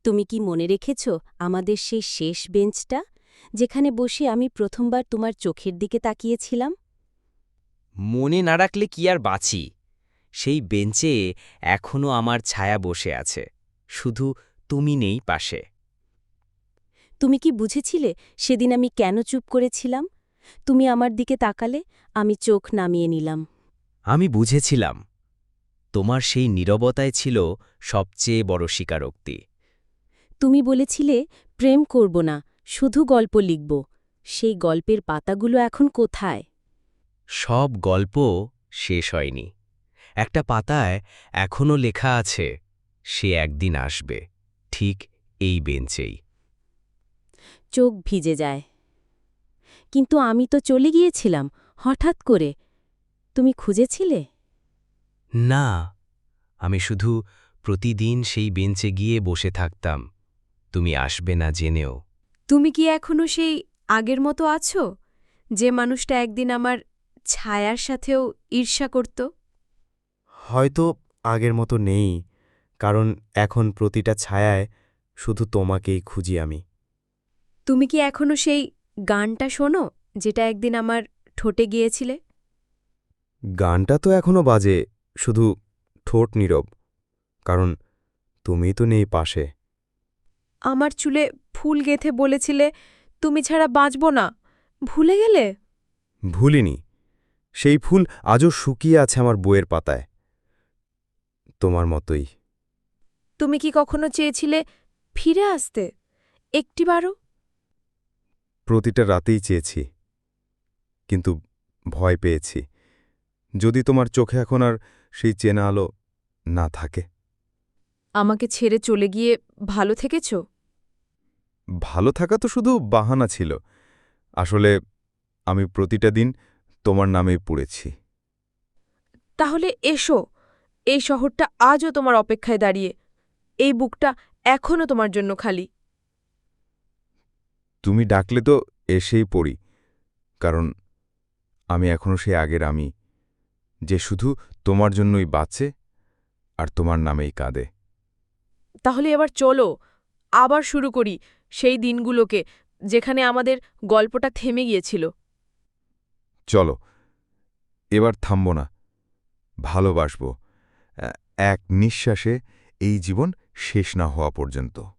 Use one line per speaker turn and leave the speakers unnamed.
তুমি কি মনে রেখেছ আমাদের সেই শেষ বেঞ্চটা, যেখানে বসে আমি প্রথমবার তোমার চোখের দিকে তাকিয়েছিলাম?
মনে না রাখলে কি আর বাঁচি। সেই বেঞ্চে এখনো আমার ছায়া বসে আছে, শুধু তুমি নেই পাশে।
তুমি কি বুঝেছিলে সেদিন আমি কেন চুপ করেছিলাম? তুমি আমার দিকে তাকালে, আমি চোখ নামিয়ে নিলাম।
আমি বুঝেছিলাম, তোমার সেই নীরবতায় ছিল সবচেয়ে বড় স্বীকারোক্তি।
তুমি বলেছিলে প্রেম করব না, শুধু গল্প লিখব। সেই গল্পের পাতাগুলো এখন কোথায়?
সব গল্প শেষ হয়নি। একটা পাতায় এখনো লেখা আছে, সে একদিন আসবে, ঠিক এই বেঞ্চেই।
চোখ ভিজে যায়। কিন্তু আমি তো চলে গিয়েছিলাম হঠাৎ করে। তুমি খুঁজেছিলে?
না, আমি শুধু প্রতিদিন সেই বেঞ্চে গিয়ে বসে থাকতাম, তুমি আসবে না জেনেও।
তুমি কি এখনো সেই আগের মতো আছো, যে মানুষটা একদিন আমার ছায়ার সাথেও ঈর্ষা করত?
হয়তো আগের মতো নেই, কারণ এখন প্রতিটা ছায়ায় শুধু তোমাকেই খুঁজি আমি।
তুমি কি এখনো সেই গানটা শোনো, যেটা একদিন আমার ঠোঁটে গিয়েছিলে?
গানটা তো এখনো বাজে, শুধু ঠোঁট নীরব, কারণ তুমি তো নেই পাশে।
আমার চুলে ফুল গেঁথে বলেছিলে তুমি ছাড়া বাঁচব না, ভুলে গেলে?
ভুলিনি, সেই ফুল আজও শুকিয়ে আছে আমার বইয়ের পাতায়, তোমার মতোই।
তুমি কি কখনো চেয়েছিলে ফিরে আসতে একটিবারও?
প্রতিটা রাতেই চেয়েছি, কিন্তু ভয় পেয়েছি, যদি তোমার চোখে এখন আর সেই চেনা আলো না থাকে।
আমাকে ছেড়ে চলে গিয়ে ভালো থেকেছ?
ভালো থাকা তো শুধু বাহানা ছিল, আসলে আমি প্রতিটা দিন তোমার নামেই পড়েছি।
তাহলে এসো, এই শহরটা আজও তোমার অপেক্ষায় দাঁড়িয়ে, এই বুকটা এখনও তোমার জন্য খালি।
তুমি ডাকলে তো এসেই পড়ি, কারণ আমি এখনো সেই আগের আমি, যে শুধু তোমার জন্যই বাঁচে আর তোমার নামেই কাঁদে।
তাহলে এবার চলো, আবার শুরু করি সেই দিনগুলোকে যেখানে আমাদের গল্পটা থেমে গিয়েছিল।
চলো, এবার থামব না, ভালোবাসব, এক নিঃশ্বাসে, এই জীবন শেষ না হওয়া পর্যন্ত।